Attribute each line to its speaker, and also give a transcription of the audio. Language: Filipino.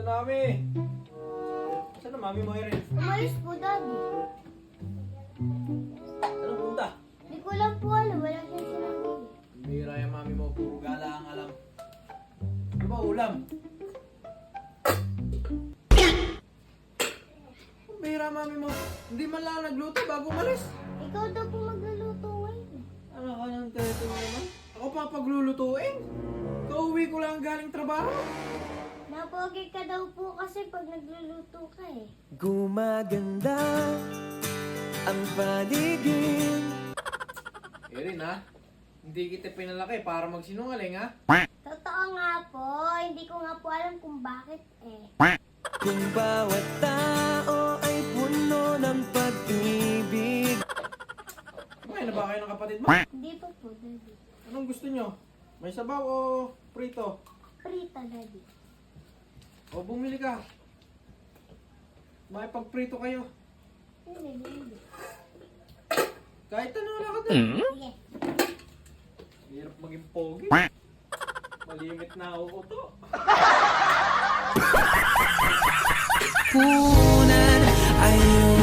Speaker 1: na kami. Saan na mami mo, Erin?
Speaker 2: Umalis po, Daddy.
Speaker 1: Anong punta?
Speaker 2: Hindi ko lang po alam. Wala siya sinabi.
Speaker 1: Bira yung mami mo, puro gala ang alam. Ano ba ulam? Bira mami mo, hindi man lang nagluto bago umalis.
Speaker 2: Ikaw daw po magluluto ngayon.
Speaker 1: Ano ka nang teto mo naman? Ako pa paglulutuin. Kauwi ko lang galing trabaho.
Speaker 2: Napogi ka daw po kasi pag nagluluto ka eh.
Speaker 3: Gumaganda ang paligid.
Speaker 1: Erin ha, hindi kita pinalaki para magsinungaling ha.
Speaker 2: Totoo nga po. Hindi ko nga po alam kung bakit eh.
Speaker 3: Kung bawat tao ay puno ng pag-ibig.
Speaker 1: Kumain na ba kayo ng kapatid mo?
Speaker 2: Hindi pa po, Daddy.
Speaker 1: Anong gusto nyo? May sabaw o prito?
Speaker 2: Prita, Daddy.
Speaker 1: O bumili ka. May pagprito kayo.
Speaker 2: Hindi.
Speaker 1: Kahit ano wala ka doon.
Speaker 2: Sige.
Speaker 1: Hirap maging pogi. Malimit na ako to.
Speaker 3: Punan ay